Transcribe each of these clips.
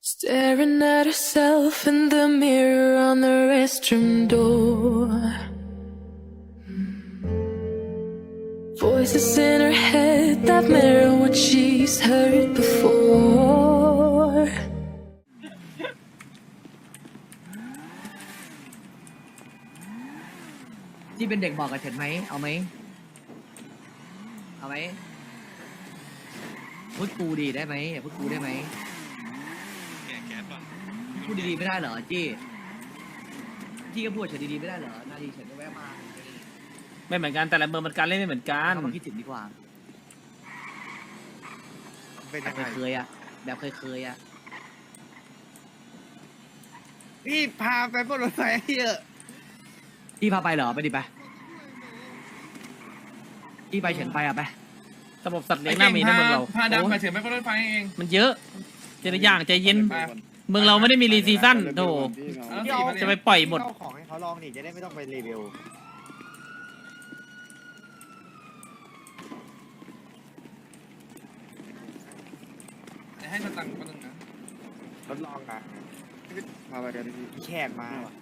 Staring at herself in the mirror on the restroom door. Voices in her head that mirror what she's heard before. ที่เป็นเด็กบอกกับเฉินไหมเอาไหมเอาไหมพูดกูดีได้ไหมพูดกูได้ไหมพูดดีๆไม่ได้เหรอจี้ก็พูดเฉินดีๆไม่ได้เหรอนาดีเฉินก็แวะมาไม่เหมือนกันแต่ละเมืองมันการเล่นไม่เหมือนกันเอามาคิดถึงดีกว่าเป็นแบยับงไงเคยๆอ่ะแบบเคยๆอ่ะพี่พาไปบนรถไฟให้เยอะจี้พาไปเหรอไปดิไปจี้ไปเฉินไปอ่ะไประบบสัตว์เลี้ยงน่ามีนะเมืองเราพาดำโอ้มาย เฉยไม่ก็รถไฟเองมันเยอะเจรอย่างใจเย็นเมืองเราไม่ได้มีรีซีซั่นโถเอาสิมาจะเนี่ยไปปล่อยหมดเอาของให้เขาลองดิจะได้ไม่ต้องไปรีวิวเดี๋ยวให้สตังค์คนหนึ่งนะทดลองนะมาไปกันพี่แขกมาว่ะ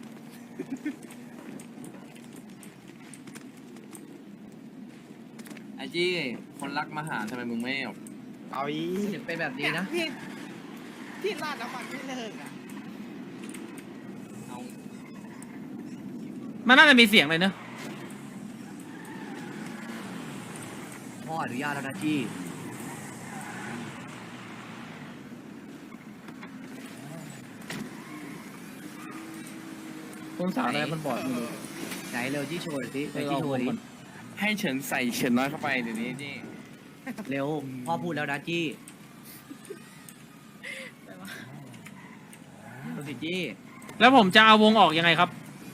ไอจี้คนรักมาหาทำไมมึงไม่เอาเอาอีเฉินเป็นแบบนี้นะพี่ราดน้ำมันไม่เลิกอ่ะเอามันน่าจะมีเสียงเลยเนอะพ่ออนุญาตแล้วนะจี้คนสาวอะไรมันบอดไม่รู้ไหนเร็วจี้โชว์หน่อยสิไหนเออจี้เอาโชวว์งดิก่อนให้เฉินใส่เฉินน้อยเข้าไปเดี๋ยวนี้จี้เร็วพ่อพูดแล้วนะจี้ดูสิจี้แล้วผมจะเอาวงออกยังไงครับ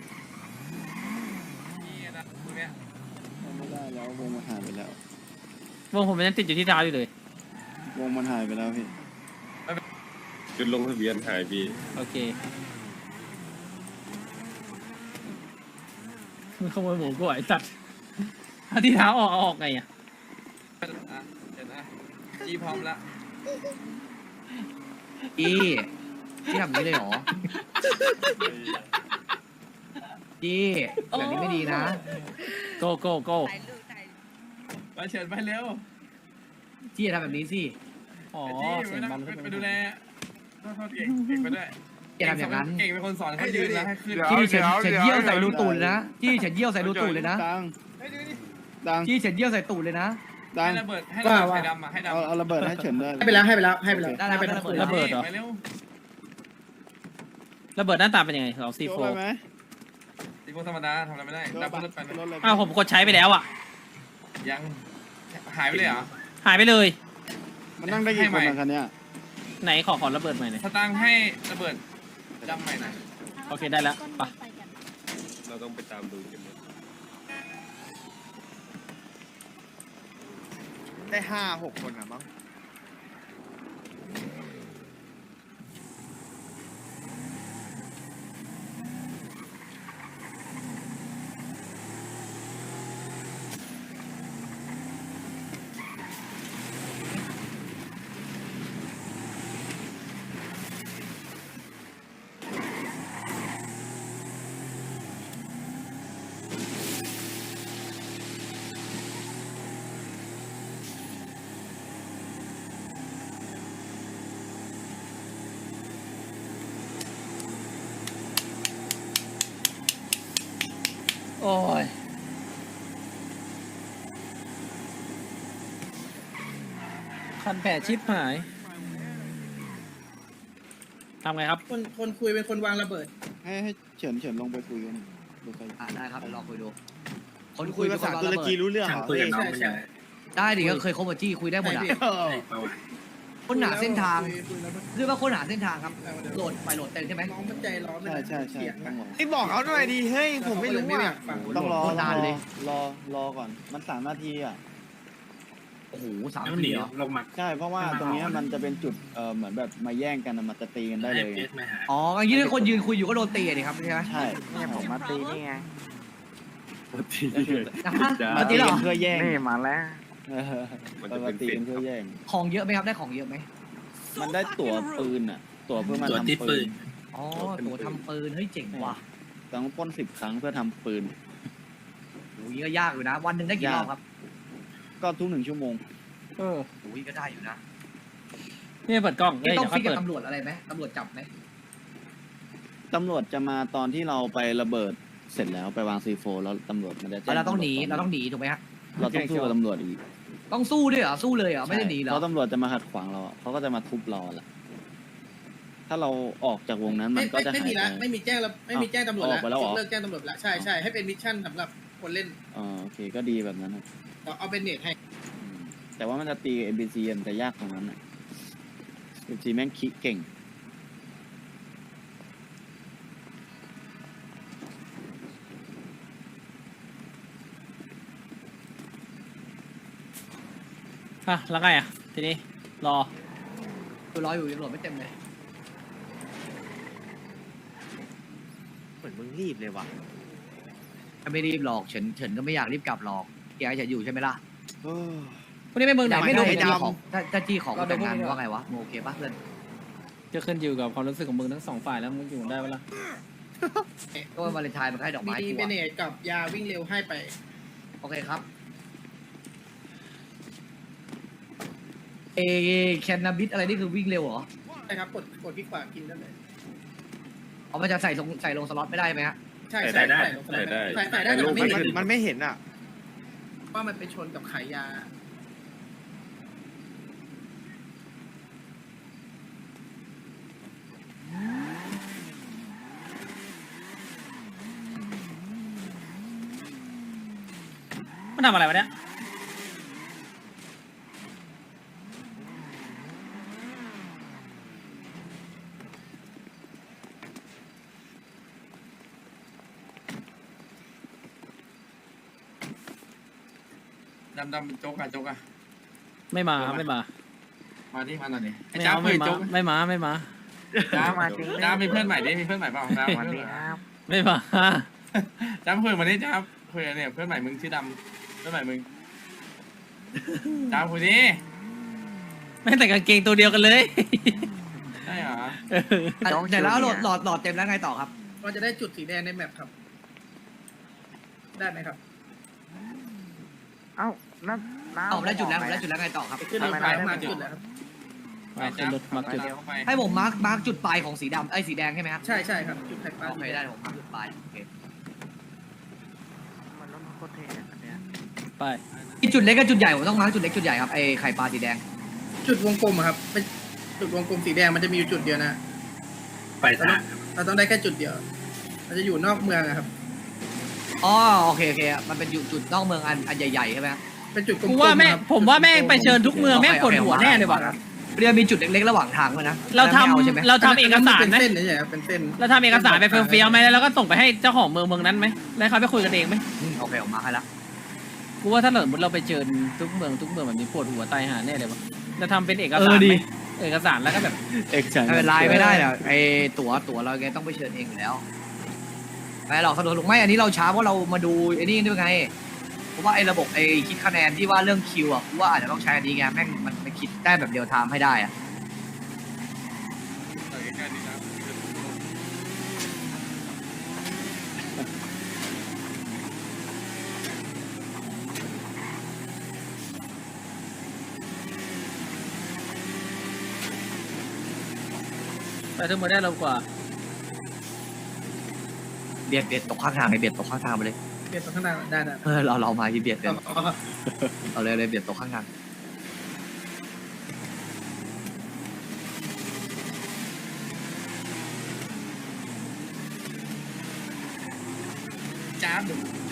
จี้นะตรงเนี้ยไม่ได้แล้ววงมันหายไปแล้ววงผมมันยังติดอยู่ที่เท้าอยู่เลยวงมันหายไปแล้วพี่จุดลงทะเบียนหายพี่โอเคมันขโมยหมูกูไอ้สัตว์เอาที่เท้าออกเอาออกไงอ่ะอ่ะเฉินอ่ะจี้พร้อมละจี้จี้ทำอย่างนี้เลยเหรอจี้แบบนี้ไม่ดีนะโกโกโกไปเฉินไปเร็วจี้อย่าทำแบบนี้สิอ๋อไอ้จี้เสียงมันไปดูแลโทษเก่งเก่งไปด้วยอย่าทำอย่างนั้นเก่งเป็นคนสอนเขายืนแล้วให้ขึ้นจี้ฉันเยี่ยวใส่รูตูดเลยนะจี้ฉันเยี่ยวใส่รูตูดเลยนะดังเฮ้ยดูดิดังจี้ฉันเยี่ยวใส่ตูดเลยนะดังให้ระเบิดให้ระเบิดไฟดำอ่ะให้ดำเอาระเบิดให้เฉินด้วยให้ไปแล้วให้ไปแล้วให้ไปแล้วได้แล้วได้ระเบิดระเบิดเหรอไปเร็วระเบิดหน้าตาเป็นยังไงเราซีโยโฟกไปไหมตีพวกธรรมดาทำอะไรไม่ได้โยกดำไปรถไปนะรถเลยอ้าวผมกดใช้ไปแล้วอ่ะยังหายไปเลยเหรอหายไปเลยมันนั่งได้กี่คนอะคันเนี้ยไหนขอระเบิดใหม่หน่อยสตางค์ให้ระเบิดดำใหม่หน่อยโอเคได้แล้วไปเราต้องไปตามดูกันนะได้5-6 คนอ่ะมั้งโอ้ยคันแผลชิปหายทำไงครับคนคุยเป็นคนวางระเบิดให้เฉินลงไปคุยกันดูใครได้ครับเดี๋ยวลองคุยดูคนคุคุยยเป็ภานคนางษาวตุระรเบิกีดรู้เรื่องเหรอใช่ใช่ได้ดิก็เคยคบกับจี้คุยได้หมดอ่ะค้นหาเส้นทางเรียกว่าค้นหาเส้นทางครับโหลดไปโหลดเต็มใช่ไหมน้องมันใจร้อนใช่ต้องรอไอ้บอกเขาหน่อยดิเฮ้ยผมไม่รู้อ่ะต้องรอโคตรนานเลยรอก่อนมัน3 นาทีอ่ะโอ้โห3 นาทีเหรอใช่เพราะว่าตรงเนี้ยมันจะเป็นจุดเหมือนแบบมาแย่งกันอะมันจะตีกันได้เลยไงอ๋ออย่างนี้ถ้าคนยืนคุยอยู่ก็โดนตีอะดิครับใช่ไหมใช่เนี่ยผมมาตีนี่ไงมาตีเหรอเพื่อแย่งนี่มาแล้วเออมาตีกันเพื่อแย่งของเยอะไหมครับได้ของเยอะไหมมันได้ตั๋วปืนอ่ะตั๋วเพื่อมาตัวทำที่ปืปืนนอ๋อตัวทำปืนเฮ้ยเจ๋งว่ะต้องปล้น10 ครั้งเพื่อทำปืนโอ้ยก็ยากอยู่นะ วันหนึ่งได้กี่รอบครับก็ทุก1 ชั่วโมงเออโอ้ยก็ได้อยู่นะนี่เปิดกล้องนี่เอ้ยต้องเดี๋ยวฟิค่อก ยกับเปิดตำรวจอะไรไหมตำรวจจับไหมตำรวจจะมาตอนที่เราไประเบิดเสร็จแล้วไปวางซีโฟแล้วตำรวจมันจะแจ้งเราต้องหนีตำวจเราต้องหนีถูกไหมฮะเราต้องสู้กับตำรวจอีกต้องสู้ด้วยเหรอสู้เลยเหรอไม่ได้หนีเหรอเพราะตำรวจจะมาขัดขวางเราอะเขาก็จะมาทุบเราแหละถ้าเราออกจากวงนั้นมันก็จะไม่หายมีไปละไม่มีแจ้งแล้วไม่มีแจ้งตำรวจออกไปแล้วเหรอเลิกแจ้งตำรวจแล้วใช่ใช่ให้เป็นมิชชั่นสำหรับคนเล่นโอเคก็ดีแบบนั้นครับเอาเป็นเนตให้อืมแต่ว่ามันจะตีกับ NPC มันจะยากตรงนั้นอ่ะ NPC แม่งคิดเก่งอ่ะแล้วไงอ่ะทีนี้รอคือรออยู่ตำรวจไม่เต็มเลยเหมือนมึงรีบเลยว่ะไม่รีบหรอกเฉินก็ไม่อยากรีบกลับหรอกแกจะอยู่ใช่ไหมล่ะพวกนี้ไปเมืองไหนไม่รู้ถ้าจี้ของถ้าจี้ของแต่งงานว่าไงวะโอเคปะเพื่อนจะขึ้นอยู่กับความรู้สึกของมึงทั้งสองฝ่ายแล้วมึงอยู่ได้ปะล่ะก็วาเลนไทน์มันก็ให้ดอกไม้มีกูเป็นเนอะตกับยาวิ่งเร็วให้ไปโอเคครับแคนนาบิสอะไรนี่คือวิ่งเร็วเหรอใช่ครับกดที่ขวากินได้เลยเอามันจะใส่ลงสล็อตไม่ได้ไหมฮะใช่ใส่ได้ใส่ได้แต่มันไม่เห็นมันไม่เห็นอ่ะว่ามันไปชนกับขายยามันทำอะไรวะเนี่ยดำโจ๊กอะโจ๊กอะไม่มาครับไม่มามาที่มาหน่อยดิไอ้ไม่จ้าเอาคุไม่ยมาโจ๊กไม่มาไม่มาจ้าจ้ามีเพื่อนใหม่ดิมีเพื่อนใหม่เปล่าจ้ามีเพื่อนใหม่ไม่มาจ้าคุยมาดิจ้าคุยเนี่ยเพื่อนใหม่มึงชื่อดำเพื่อนใหม่มึงจ้าคุยดิแม่งแต่กางเกงตัวเดียวกันเลยใช่เหรอแต่แล้วหลอดเต็มแล้วไงต่อครับเราจะได้จุดสีแดงในแมปครับ ได้ไหมครับเอาผมได้จุดแล้วไงต่อครับขึ้นรถไฟมาจุดแล้วครับมาขึ้นรถมาจุดเข้าไปให้ผมมาร์กจุดปลายของสีดำสีแดงใช่ไหมครับใช่ใช่ครับจุดไข่ปลาโอเคได้ผมมาร์กจุดปลายโอเคไปที่จุดเล็กกับจุดใหญ่ผมต้องมาร์กจุดเล็กจุดใหญ่ครับไอไข่ปลาสีแดงจุดวงกลมอะครับเป็นจุดวงกลมสีแดงมันจะมีอยู่จุดเดียวนะไปทางเราต้องได้แค่จุดเดียว มันจะอยู่นอกเมืองอะครับอ๋อโอเคมันเป็นจุดนอกเมืองอันใหญ่ๆใช่ไหมครับเป็นจุดกลมกูๆว่าแม่ครับผมว่าแม่งไปเชิญทุกเมืองแม่งปวดหัวแน่เลยว่ะเรียกมีจุดเล็กๆระหว่างทางด้วยนะเราทไม่อใช่ไหมำเราทำเอกสารเป็นไหมเส้นนี่ใช่ครับเป็นเส้นเราทำเอกสารไปเฟี้ยวๆไหมแล้วก็ส่งไปให้เจ้าของเมืองนั้นไหมแล้วเขาไปคุยกันเองไหมโอเคผมมาร์กให้แล้วกูว่าถ้าสมมติเราไปเชิญทุกเมืองแบบนี้ปวดหัวตายหาแน่เลยวะจะทำเป็นเอกสารไหมเอกสารแล้วก็แบบเอกชันไม่เป็นไรไม่ได้เนี่ยไอตั๋วเราไงต้องไปเชิญเองอยู่แล้วไม่หรอกสะดวกถูกไหมอันนี้เราช้าเพราะเรามาดูไอ้นี่ด้วยไงเพราะว่าไอ้ระบบไอ้คิดคะแนนที่ว่าเรื่องคิวอ่ะกูว่าอาจจะต้องใช้อันนี้ไงแม่งมันคิดได้แบบเดียวไทม์ให้ได้อ่ะใกล้ๆนี่นะไปทุกเมืองได้เร็วกว่าเบียดตกข้างทางไอ้เบียดตกข้างทางไปเลยเปลี่ยนตรงข้างหน้าได้เรามาที่เบียดเลยอ๋อเอาเลยเบียดตกข้างทางจ้าบ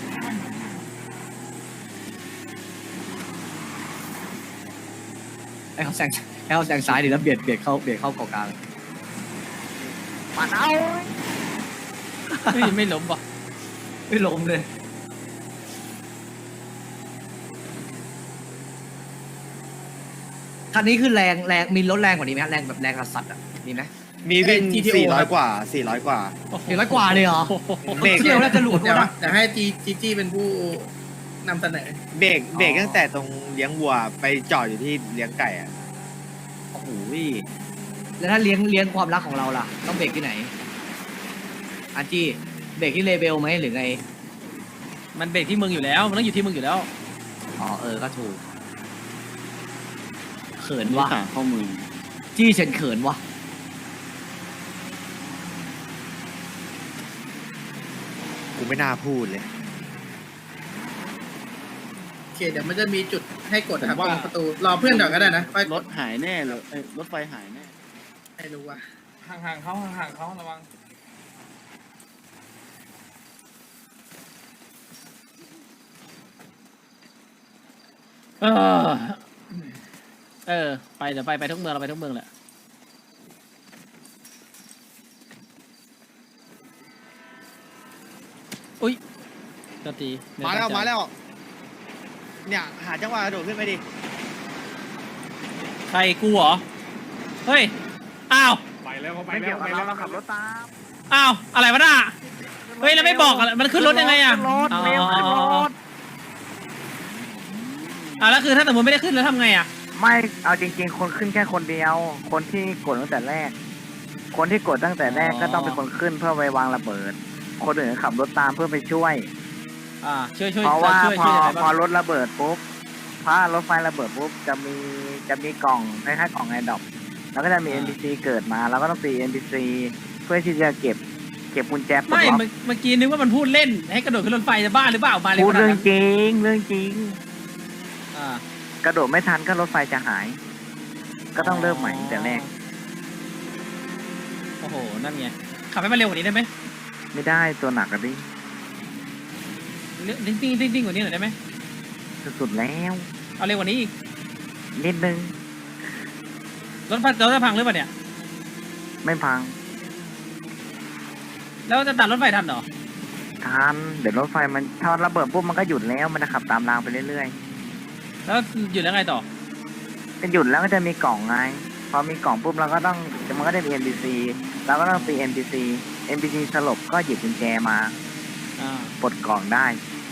ให้เขาแซงซ้ายดิแล้วเบียดเข้าเกาะกลางเฮ้ยไม่ล้มป่ะไม่ล้มเลยคันนี้คือแรงมีรถแรงกว่านี้ไหมฮะแรงแบบแรงกระสัดอ่ะมีไหมมีวิ่ง400 กว่า 400 กว่า 400 กว่าเลยเหรอเบรกเที่ยวแล้วจะหลุดเดี๋ยววะเดี๋ยวให้จีเป็นผู้นำเสนอเบรกตั้งแต่ตรงเลี้ยงวัวไปจอดอยู่ที่เลี้ยงไก่อ่ะโอ้โหแล้วถ้าเลี้ยงความรักของเราล่ะ ต้องเบรกที่ไหนอาจี้เบรกที่เลเบลไหมหรือไงมันเบรกที่มึงอยู่แล้วมันต้องอยู่ที่มึงอยู่แล้วอ๋อก็ถูกเขินนี่วะขาข้อมือจี้ฉันเขินวะกูไม่น่าพูดเลยโอเคเดี๋ยวมันจะมีจุดให้กดนะครับตรงประตูรอเพื่อนก่อนก็ได้นะค่อยรถหายแน่เลยรถไฟหายแน่ให้รู้ว่าห่างๆเขาห่างๆเขาระวังไปเดี๋ยวไปทุกเมืองเราไปทุกเมืองแหละอุ้ยโทษทีมาแล้วมาแล้ว เนี่ยหาจังหวะกระโดดขึ้นไปดิใครกูเหรอเฮ้ยอ้าวไปแล้วเขาไปแล้วไปแล้วเราขับรถตามอ้าวอะไรวะน่ะเฮ้ยแล้วไม่บอกอะไรมันขึ้นรถยังไงอ่ะแล้วคือถ้าสมมติไม่ได้ขึ้นแล้วทำไงอ่ะไม่เอาจริงๆ คนขึ้นแค่คนเดียว คนที่กดตั้งแต่แรก คนที่กดตั้งแต่แรกก็ต้องเป็นคนขึ้นเพื่อไปวางระเบิด คนอื่นขับรถตามเพื่อไปช่วยช่วยเพราะว่าช่วยพอยังไงพอบ้างรถระเบิดปุ๊บถ้ารถไฟระเบิดปุ๊บจะมีกล่องคล้ายๆกล่องไอดอปแล้วก็จะมี NPC เกิดมาแล้วก็ต้องตี NPC เพื่อที่จะเก็บกุญแจปลดไม่ล็อกเมื่อกี้นึกว่ามันพูดเล่นให้กระโดดขึ้นรถไฟจะบ้าหรือเปล่ามาเร็วพูดขนาดเรื่อนั้งนจริงเรื่องจริงอ่ากระโดดไม่ทันก็รถไฟจะหาย ก็ต้องเริ่มใหม่ตั้งแต่แรกโอ้โหนั่นไงขับให้มันเร็วกว่านี้ได้ไหมไม่ได้ตัวหนักอะดิติ้งกว่านี้หน่อยได้ไหมสุดๆแล้วเอาเร็วกว่านี้อีกนิดนึงรถจะพังหรือเปล่าเนี่ยไม่พังแล้วจะตัดรถไฟทันเหรอทันเดี๋ยวรถไฟมันถ้าระเบิดปุ๊บมันก็หยุดแล้วมันจะขับตามรางไปเรื่อยแล้วหยุดแล้วไงต่อๆจะหยุดแล้วก็จะมีกล่องไงพอมีกล่องปุ๊บเราก็ต้องมันก็ได้มี NPC เราก็ต้องตี NPC สลบก็หยิบกุญแจมาอ่าปลดกล่องได้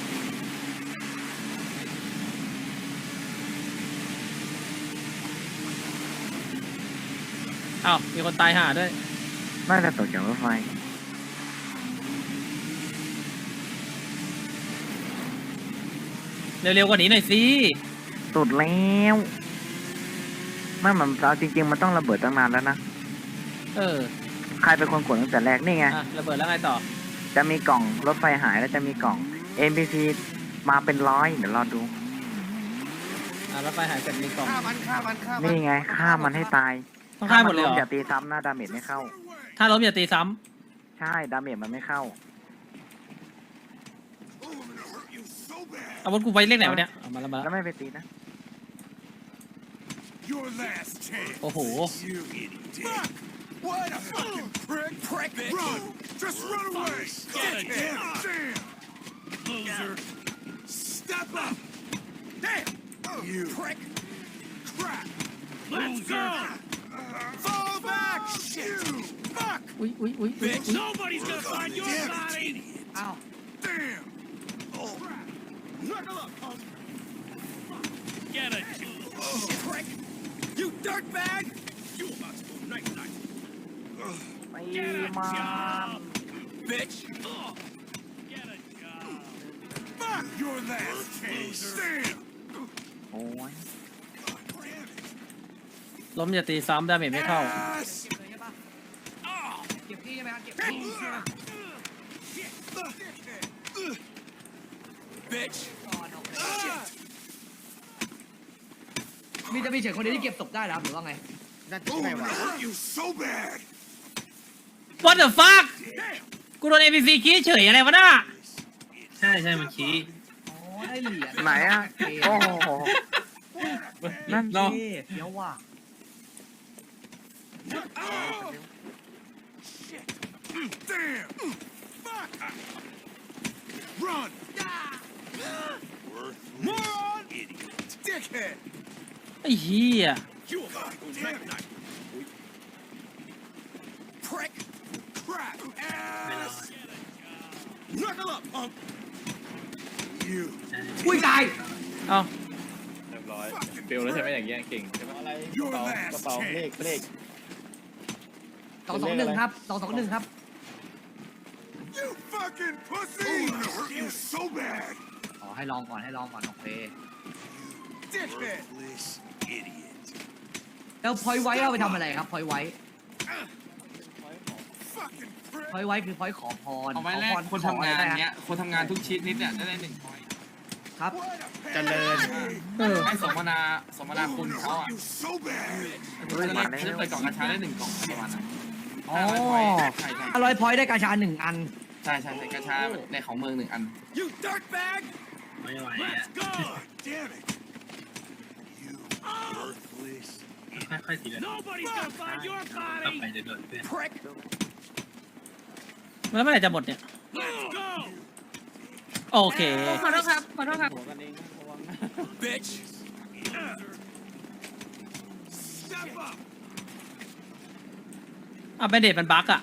อ้าวมีคนตายห่าด้วยน่าจะตกจากรถไฟเร็วๆกว่านี้หน่อยสิสุดแล้วไม่มันเอาจริงๆมันต้องระเบิดตั้งนานแล้วนะเออใครเป็นคนกดตั้งแต่แรกนี่ไงระเบิดแล้วไงต่อจะมีกล่องรถไฟหายแล้วจะมีกล่อง NPC มาเป็นร้อยเดี๋ยวรอดูรถไฟหายเสร็จมีกล่องฆ่ามันนี่ไงฆ่ามันให้ตายต้องฆ่าหมดเลยเหรออย่าตีซ้ำนะดาเมจไม่เข้าถ้าล้มอย่าตีซ้ใช่ดาเมจมันไม่เข้าำอาวุธกูไปเลขไหนวะเนี่ยเอามาแล้วแล้วไม่ไปตีนะโอ้โห What a fucking prick! Run! Just run away! Damn! Loser! Step up! Damn! You prick! Crap! Let's go! Fall back! Shit! Fuck! อุ้ย Bitch! Nobody's gonna find your body! อ้าว Damn! Oh! Knuckle up, punk! Get a prick! You dirtbag! You about to go night-night! ไม่มา Bitch! Get a job! Fuck your last case! Damn! โอ้ยล้มอย่าตีซ้ำดาเมจไม่เข้า Ass! เก็บที่ใช่ไหมครับเก็บที่ Bitch! มีเฉยคนเดียวที่เก็บศพได้เหรอครับหรือว่าไงน่าจะใช่ว่ะ hurt you so bad! What the fuck กูโดน NPC ขี้เฉยอะไรวะน่ะใช่มันชี้อ๋อได้เหรียญไหนอ่ะ โอ้โห นั่นเท่เดี๋ยวว่ะ Shit! Damn! Fuck! Run! Moron! Idiot! Dickhead! ไอ้เหี้ย You about to go night-night! Prick! Crap! Ass! Knuckle up, punk! You อุ้ยตายเอ้าเรียบร้อยเปลวแล้วใช่ไหมอย่างเงี้ยเก่งใช่ไหมอะไร Your กระ last เป๋าเลข chance. 221ครับ221ครับ You fucking pussy! You so bad! อ๋อให้ลองก่อนโอเค Dickhead! Idiot! แล้วพอยไว้เอาไปทำอะไรครับพอยไว้ Fucking prick! พอยไว้คือพอยขอพรเอาไว้แรกคนทำงานเนี้ยคนทำงานทุกชีวิตเนี่ยได้1 พอยต์ครับเจริญให้สมนาคุณเขาอ่ะ You so bad! จะเปิดกล่องกระชาได้1 กล่องประมาณนั้นอ๋อใช่ 500พอยได้กาชา1 อันใช่กระชาในของเมือง1 อัน You dirtbag! ไม่ไหวอ่ะ Let's go! Damn it! You worthless ค่อยๆทีละ Nobody's gonna find your ต่อ body! ไปจะโดนเพื่อน Prick! แล้วเมื่อไหร่จะหมดเนี่ย Let's go! โอเคหัวกันเองนะระวังนะ Bitch! Step up! อ่ะเป็นเดทมันบั๊กอ่ะ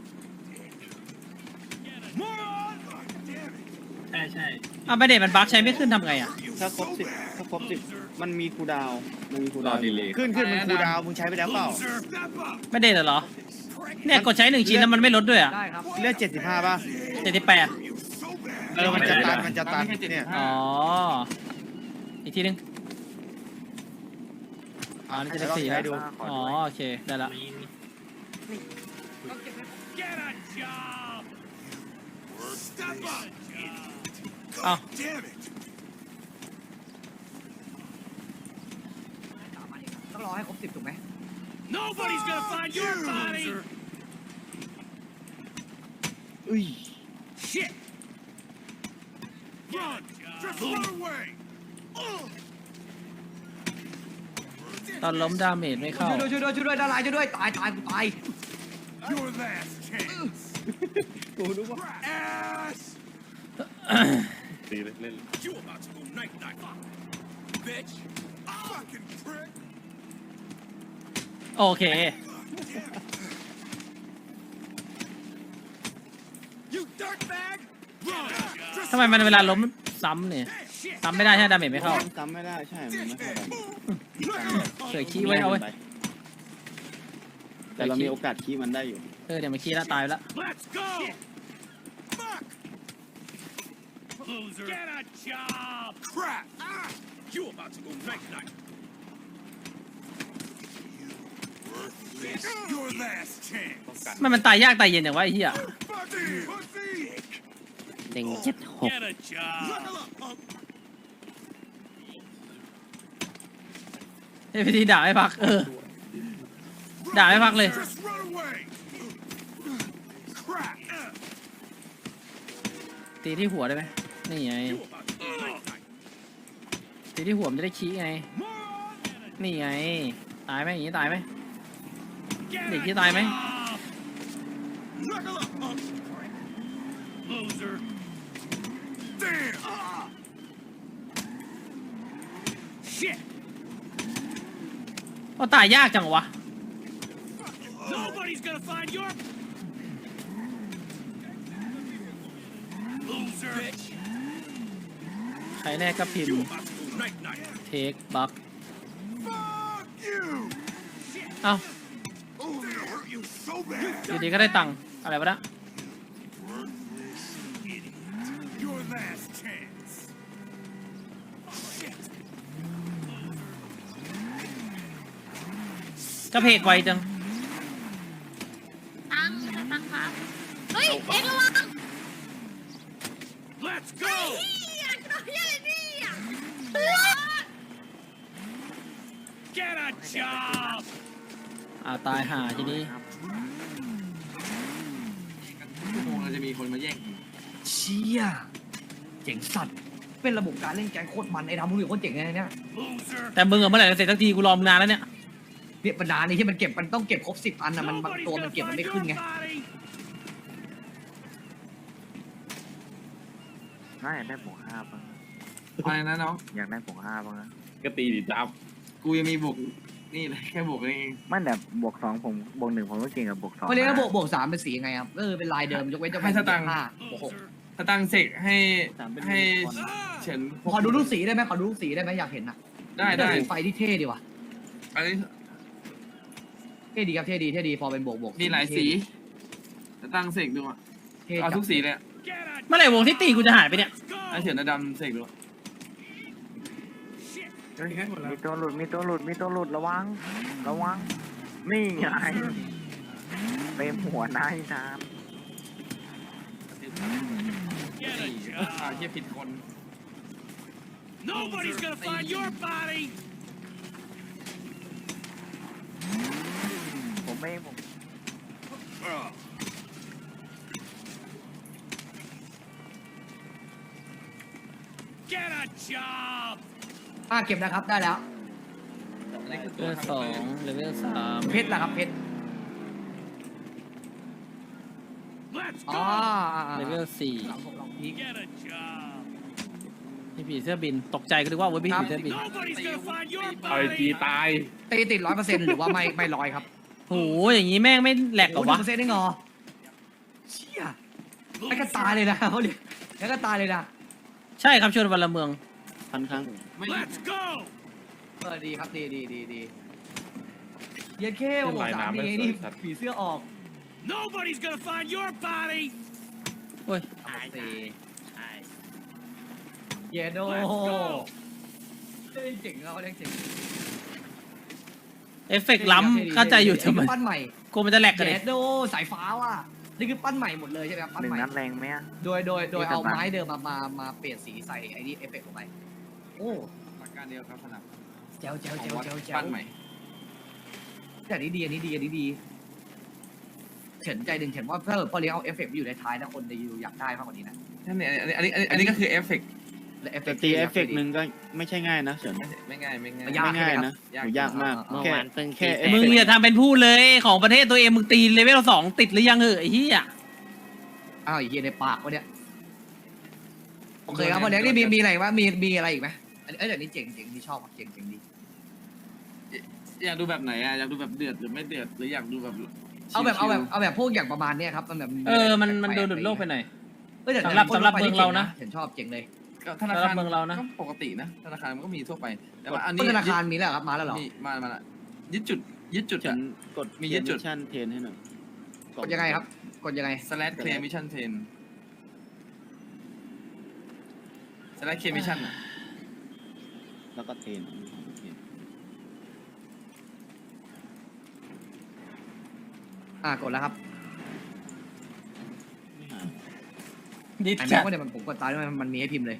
Moron! Damn it! ใช่อ่ะเป็นเดทมันบั๊กใช้ไม่ขึ้นทำไงอ่ะถ้าครบ10มันมีคูลดาวน์มันมีคูลรดาอวน์ดีเลยขึ้นมึงคูลดาวน์มึงใช้ไปแล้วเปล่า Step up! ไม่เดทเหรอ เนี่ยกดใช้1 ชิ้นแล้วมันไม่ลดด้วยอ่ะได้ครับเลือด75 ป่ะ 78 มันจะตันเนี่ยอ๋อ อีกทีนึงอ๋อนี่จะได้4แล้วอ๋อโอเคได้ละมี Get a job! Step up! เอ้า Damn it! ต้องรอให้ครบ10ถูกไหม Nobody's gonna find your body! อุ้ย Shit! Run! Just run away! ตอนล้มดาเมจไม่เข้าช่วยด้วยดาราช่วยด้วยตายกูตาย Your last chance! กูรู้ว่า Ass! ตีเลยเล่น You about to go night-night, bitch! Fucking prick! โอเค You dirtbag! Run! Just ทำไมมันเวลาล้มซ้ำเนี่ย shit! ซ้ำไม่ได้ใช่ไหมดาเมจไม่เข้าจำไม่ได้ใช่มันไม่เข้ากันเสือขี้ไว้เอาไว้แต่เรามีโอกาสคีย์มันได้อยู่เดี๋ยวมันขี้แล้วตายไปแล้ว Let's go! Fuck! Loser! Get a job! Crap! You about to go night-night! This your last chance! มันตายยากตายเย็นอย่างวะไอ้เหี้ย Fucking pussy! เต็ง76 Get a job! Knuckle up, punk! เฮ้ยพี่ทีด่าไม่พักด่าไม่พักเลย Just run away! Crap! ตีที่หัวได้ไหมนี่ไง You about to go night-night! ตีที่หัวมันจะได้ขี้ไง Moron! นี่ไง ตายไหมอย่างนี้ตายไหม Get Để a chia tay mấy. job! Knuckle up, punk! Loser! Damn! Shit! ก็ตายยากจังวะ Nobody's gonna find your loser. Bitch. ใครแน่ก็พิม You พ์ about to go night night. เทคบัก Fuck you. เอ้า Oh, that hurt you so bad. อยู่ดีก็ได้ตังค์อะไรวะนะ Your last chance. Shit. ก็เพจไวจังตังครับ เฮ้ยเอ็งระวัง Let's go. เฮียกระโดดเฮียอะไรเนี่ย Get a job. ตายห่าทีนี้ชั่วโมงเราจะมีคนมาแย่งเชี่ยเจ๋งสัตว์เป็นระบบการเล่นแกงโคตรมันไอ้ดำมึงอยู่โคตรเจ๋งเลยเนี่ย Loser. แต่มึงอะเมื่อไหร่จะเสร็จสักทีกูรอมานานแล้วเนี่ยเนี่ยบรรดานี่ที่มันเก็บมันต้องเก็บครบ10 อันนะมันบาง Nobody's ตัวมัน gonna เก็บมัน find ไม่ your ขึ้นไง body. น่าอยากได้บวก5บ้างอะไรนะน้องอยากได้บวก5บ้างนะก็ตีดิจับกูยังมีบวกนี่เลยแค่บวกเองไม่แต่บวก2ผมบวก1ผมก็เก่งกับบวก2 เขาเรียกว่าบวก3เป็นสียังไงครับเป็นลายเดิมยกเว้นจะเป็น5โอ้โหถ้าตั้งเสกให้เฉินขอดูลูกสีได้ไหมขอดูลูกสีได้ไหมอยากเห็นอ่ะได้สีไฟที่เท่ดีว่ะอันนี้เท่ดีครับเท่ดีพอเป็นบวกมีหลายสีจะตั้งเสกดูอ่ะเท่เอาทุกสีเลยอะ Get a เมื่อไหร่วงที่ตีกูจะหายไปเนี่ย Let's go. ไอเฉียนดำเสกดูอะยิงให้หมดแล้วมีตัวหลุดมีตัวหลุดมีตัวหลุดระวังระวังนี่ไงเต็มหัวนายครับ Get a อ่า job. เชี่ยผิดคน Nobody's gonna find your body. ผมไม่ผม Get a job. เก็บนะครับได้แล้วอันนี้คือเลตัวเวลทำสองเลเวลสามเพชรล่ะครับเพชร Let's อ๋อ go. เลเวลสี่ผมลองพีค Get a job. พี่ผีเสื้อบินตกใจก็นึกว่าเว้ยพี่ผีเสื้อบิน Nobody's gonna find your เอาไอจี body. ตายตีติด100%หรือว่าไม่ร้อยครับโหอย่างงี้แม่งไม่แหลกเหรอวะ 1%ได้งอเชี่ยแล้วก็ตายเลยนะเขาเรียกแล้วก็ตายเลยนะใช่ครับชวนวันละเมืองพันครั้งไม่ Let's go. ดีครับดีเย็นเข้โอ้โหลายสามน้ำดีไม่สวยนี่สัตว์ผีเสื้อออก Nobody's gonna find your body. โอ้ยเยโดเจ๋งเขาเรียกเจ๋งเอฟเฟกต์ล้ำเข้าใจอยู่ทำไมปั้นใหม่กลัวมันจะแหลกกันเยเลยโดสายฟ้าว่ะนี่คือปั้นใหม่หมดเลยใช่ไหมครับปั้นหนึ่งใหม่นัดแรงไหมอะโดยเอาไม้เดิมมาเปลี่ยนสีใส่ไอ้นี่เอฟเฟกต์ลงไปโอ้หลักการเดียวครับสนับเจ๋วของวัดเจ๋วปั้นใหม่แต่อันนี้ดีเฉินใจหนึ่งเฉินว่าถ้าพอเลี้ยงเอาเอฟเฟกต์อยู่ในท้ายนะคนจะอยากได้มากกว่านี้นะนั่นเนี่ยอันนี้ก็คือเอฟเฟกต์และเอฟเฟแต่กต์ตีเอฟเฟกต์หนึ่งก็ไม่ใช่ง่ายนะเฉินไม่ง่ายมันไม่ยากง่ายใช่ไหมนะครับโหยากมากอ่าแค่แค่เอฟมึงเฟกอย่าต์ทำเป็นพูดเลยของประเทศตัวเองมึงตีเลเวลสองติดหรือยังเหอะไอ้เหี้ยอ้าวไอ้เฮียในปากวะเนี่ยโอเคครับพอเลี้ยงนี่มีอะไรวะมีอะไรอีกไหมอันนี้เดี๋ยวนี้เจ๋งที่ชอบเจ๋งดีอยากดูแบบไหนอ่ะอยากดูแบบเดือดหรือไม่เดือดหรืออยากดูแบบเอาแบบพวกอย่างประมาณเนี้ยครับมันแบบมันดูหลุดโลกไปหน่อยแต่สำหรับเมืองเรานะเห็นชอบเจ๋งเลยธนาสำหรัคารบเมืองเรานะก็ปกตินะธนาคารมันก็มีทั่วไปแต่ว่าอันต้นี้นธนาคารมีแล้วครับมาแล้วเหรอมีมาละยึดจุดเฉิอ่ะนกดมียึดจุดมิชชั่นเทนให้หน่อยกดยังไงครับกดยังไง slash clear mission 10 slash clear mission อ่ะแล้วก็เทนกดแล้วครับไม่หายดิสไอ้แคแม็กทว่าเนี่ยผมกดตายด้วยมันมีให้พิมพ์เลย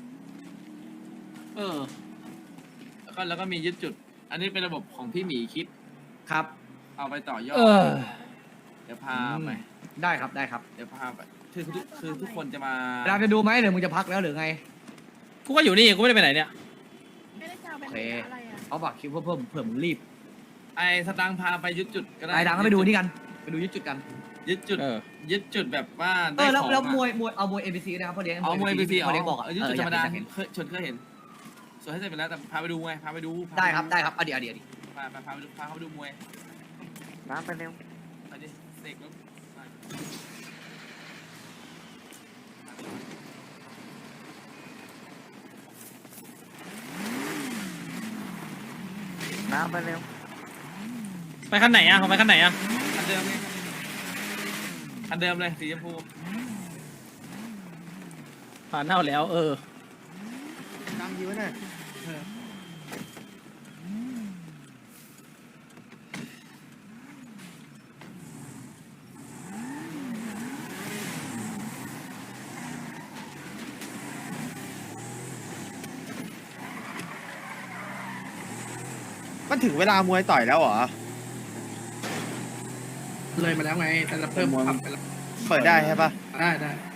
แล้วก็มียึดจุด อันนี้เป็นระบบของพี่หมีคิดครับเอาไปต่อยอด เดี๋ยวพาไปได้ครับเดี๋ยวพาไปคือทุกคนจะมาเราจะดูไหมหรือมึงจะพักแล้วหรือไงกูก็อยู่นี่กูไม่ได้ไปไหนเนี่ยโอเคเอาบักคิวเพิ่มเผื่อมึงรีบไอ้สตางค์พาไปยึดจุดก็ได้ไอ้ดังก็ไปดูนี่กันไปดูยึดจุดกันยึดจุดเออยึดจุดแบบว่าได้แล้วของแล้วอะมวยเอามวย NPC นะครับพอเลี้ยงเอามวย NPC พอเลี้ยงบอกอะยึดจุดธรรมดาอยกเห็นเคยเห็นส่วนให้เสร็จไปแล้วแต่พาไปดูไงพาไปดูได้ครับเอาเดี๋ยวพาไปดูพาเขาไปดูมวยน้ำไปเร็วไปดิเสกแล้วไปน้ำไปเร็วไปคันไหนอ่ะของไปคันไหนอ่ะคันเดิมไงคันเดิมเลยสีชมพูผ่านเน่าแล้วตามยิวหน่อย มันถึงเวลามวยต่อยแล้วเหรอเลยมาแล้วไงแต่เราเพิ่มมวยปรับไปแล้วเปิดได้ใช่ปะได้